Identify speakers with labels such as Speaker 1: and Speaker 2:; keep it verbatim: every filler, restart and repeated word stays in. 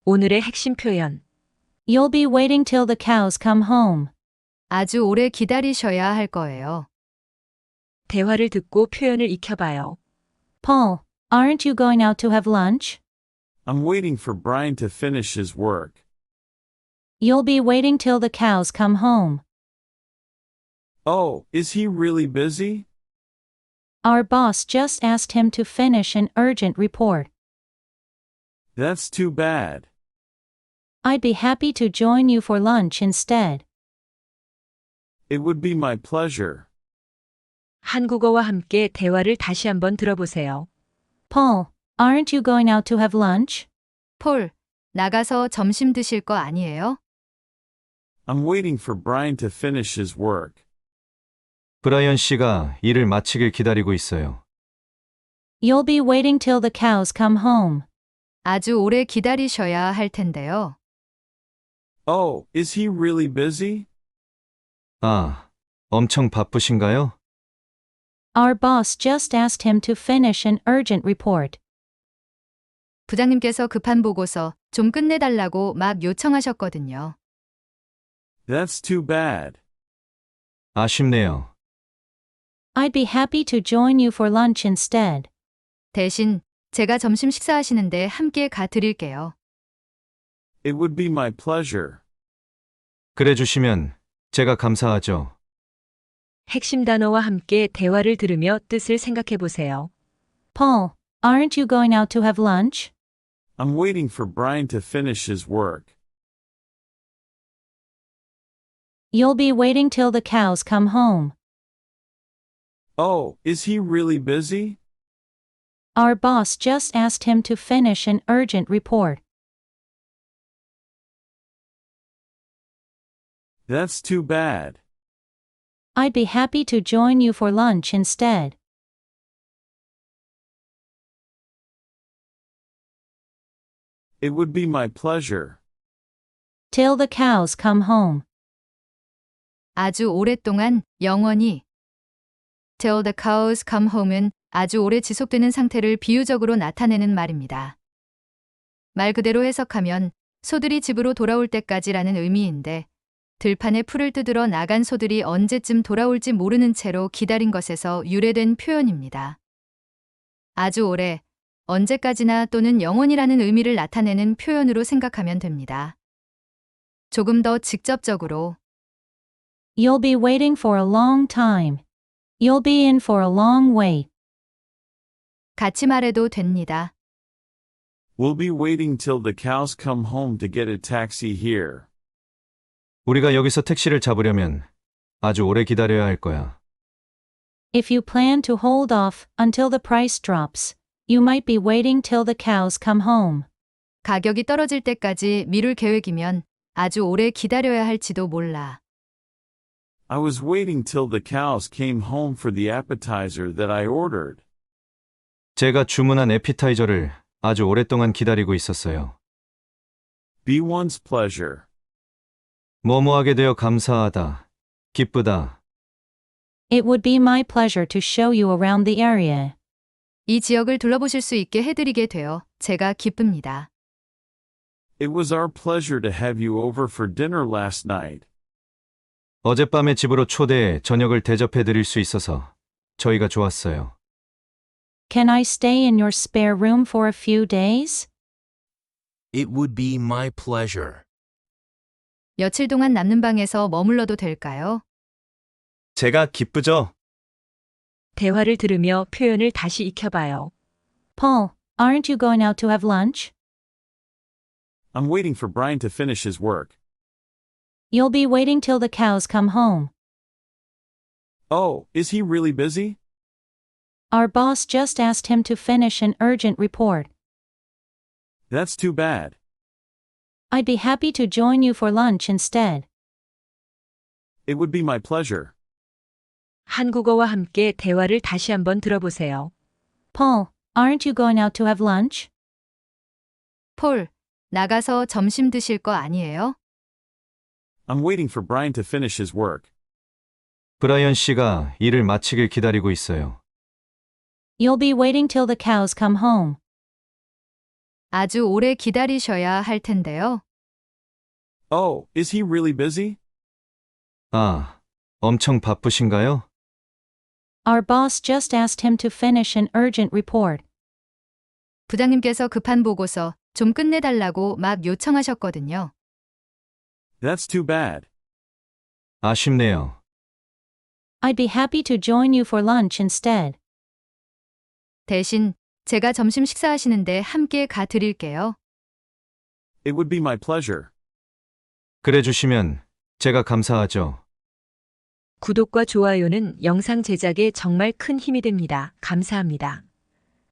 Speaker 1: 오늘의 핵심 표현.
Speaker 2: You'll be waiting till the cows come home.
Speaker 3: 아주 오래 기다리셔야 할 거예요.
Speaker 1: 대화를 듣고 표현을 익혀봐요.
Speaker 2: Paul, aren't you going out to have lunch?
Speaker 4: I'm waiting for Brian to finish his work.
Speaker 2: You'll be waiting till the cows come home.
Speaker 4: Oh, is he really busy?
Speaker 2: Our boss just asked him to finish an urgent report.
Speaker 4: That's too bad.
Speaker 2: I'd be happy to join you for lunch instead.
Speaker 4: It would be my pleasure.
Speaker 1: 한국어와 함께 대화를 다시 한번 들어보세요.
Speaker 2: Paul, aren't you going out to have lunch?
Speaker 3: 폴, 나가서 점심 드실 거 아니에요?
Speaker 4: I'm waiting for Brian to finish his work.
Speaker 5: 브라이언 씨가 일을 마치길 기다리고 있어요.
Speaker 2: You'll be waiting till the cows come home.
Speaker 3: 아주 오래 기다리셔야 할 텐데요.
Speaker 4: Oh, is he really busy?
Speaker 5: 아, 엄청 바쁘신가요?
Speaker 2: Our boss just asked him to finish an urgent report.
Speaker 3: 부장님께서 급한 보고서 좀 끝내달라고 막 요청하셨거든요.
Speaker 4: That's too bad.
Speaker 5: 아쉽네요.
Speaker 2: I'd be happy to join you for lunch instead.
Speaker 3: 대신 제가 점심 식사하시는데 함께 가 드릴게요.
Speaker 4: It would be my pleasure.
Speaker 5: 그래 주시면 제가 감사하죠.
Speaker 1: 핵심 단어와 함께 대화를 들으며 뜻을 생각해 보세요.
Speaker 2: Paul, aren't you going out to have lunch?
Speaker 4: I'm waiting for Brian to finish his work.
Speaker 2: You'll be waiting till the cows come home.
Speaker 4: Oh, is he really busy?
Speaker 2: Our boss just asked him to finish an urgent report.
Speaker 4: That's too bad.
Speaker 2: I'd be happy to join you for lunch instead.
Speaker 4: It would be my pleasure.
Speaker 2: Till the cows come home.
Speaker 3: 아주 오랫동안 영원히 till the cows come home은 아주 오래 지속되는 상태를 비유적으로 나타내는 말입니다. 말 그대로 해석하면 소들이 집으로 돌아올 때까지라는 의미인데 들판에 풀을 뜯으러 나간 소들이 언제쯤 돌아올지 모르는 채로 기다린 것에서 유래된 표현입니다. 아주 오래, 언제까지나 또는 영원이라는 의미를 나타내는 표현으로 생각하면 됩니다. 조금 더 직접적으로
Speaker 2: You'll be waiting for a long time. You'll be in for a long wait.
Speaker 3: 같이 말해도 됩니다.
Speaker 4: We'll be waiting till the cows come home to get a taxi here.
Speaker 5: 우리가 여기서 택시를 잡으려면 아주 오래 기다려야 할 거야.
Speaker 2: If you plan to hold off until the price drops, you might be waiting till the cows come home.
Speaker 3: 가격이 떨어질 때까지 미룰 계획이면 아주 오래 기다려야 할지도 몰라.
Speaker 4: I was waiting till the cows came home for the appetizer that I ordered.
Speaker 5: 제가 주문한 에피타이저를 아주 오랫동안 기다리고 있었어요.
Speaker 4: Be one's pleasure.
Speaker 5: 뭐뭐하게 되어 감사하다, 기쁘다.
Speaker 2: It would be my pleasure to show you around the area.
Speaker 3: 이 지역을 둘러보실 수 있게 해드리게 되어 제가 기쁩니다.
Speaker 4: It was our pleasure to have you over for dinner last night.
Speaker 5: 어젯밤에 집으로 초대해 저녁을 대접해 드릴 수 있어서 저희가 좋았어요.
Speaker 2: Can I stay in your spare room for a few days?
Speaker 6: It would be my pleasure.
Speaker 3: 며칠 동안 남는 방에서 머물러도 될까요?
Speaker 5: 제가 기쁘죠?
Speaker 1: 대화를 들으며 표현을 다시 익혀봐요.
Speaker 2: Paul, aren't you going out to have lunch?
Speaker 4: I'm waiting for Brian to finish his work.
Speaker 2: You'll be waiting till the cows come home.
Speaker 4: Oh, is he really busy?
Speaker 2: Our boss just asked him to finish an urgent report.
Speaker 4: That's too bad.
Speaker 2: I'd be happy to join you for lunch instead.
Speaker 4: It would be my pleasure.
Speaker 1: 한국어와 함께 대화를 다시 한번 들어보세요.
Speaker 2: Paul, aren't you going out to have lunch?
Speaker 3: 폴, 나가서 점심 드실 거 아니에요?
Speaker 4: I'm waiting for Brian to finish his work.
Speaker 5: 브라이언 씨가 일을 마치길 기다리고 있어요.
Speaker 2: You'll be waiting till the cows come home.
Speaker 3: 아주 오래 기다리셔야 할 텐데요.
Speaker 4: Oh, is he really busy?
Speaker 5: 아, 엄청 바쁘신가요?
Speaker 2: Our boss just asked him to finish an urgent report.
Speaker 3: 부장님께서 급한 보고서 좀 끝내달라고 막 요청하셨거든요.
Speaker 4: That's too bad.
Speaker 5: 아쉽네요.
Speaker 2: I'd be happy to join you for lunch instead.
Speaker 3: 대신 제가 점심 식사하시는데 함께 가 드릴게요.
Speaker 4: It would be my pleasure.
Speaker 5: 그래 주시면 제가 감사하죠.
Speaker 1: 구독과 좋아요는 영상 제작에 정말 큰 힘이 됩니다. 감사합니다.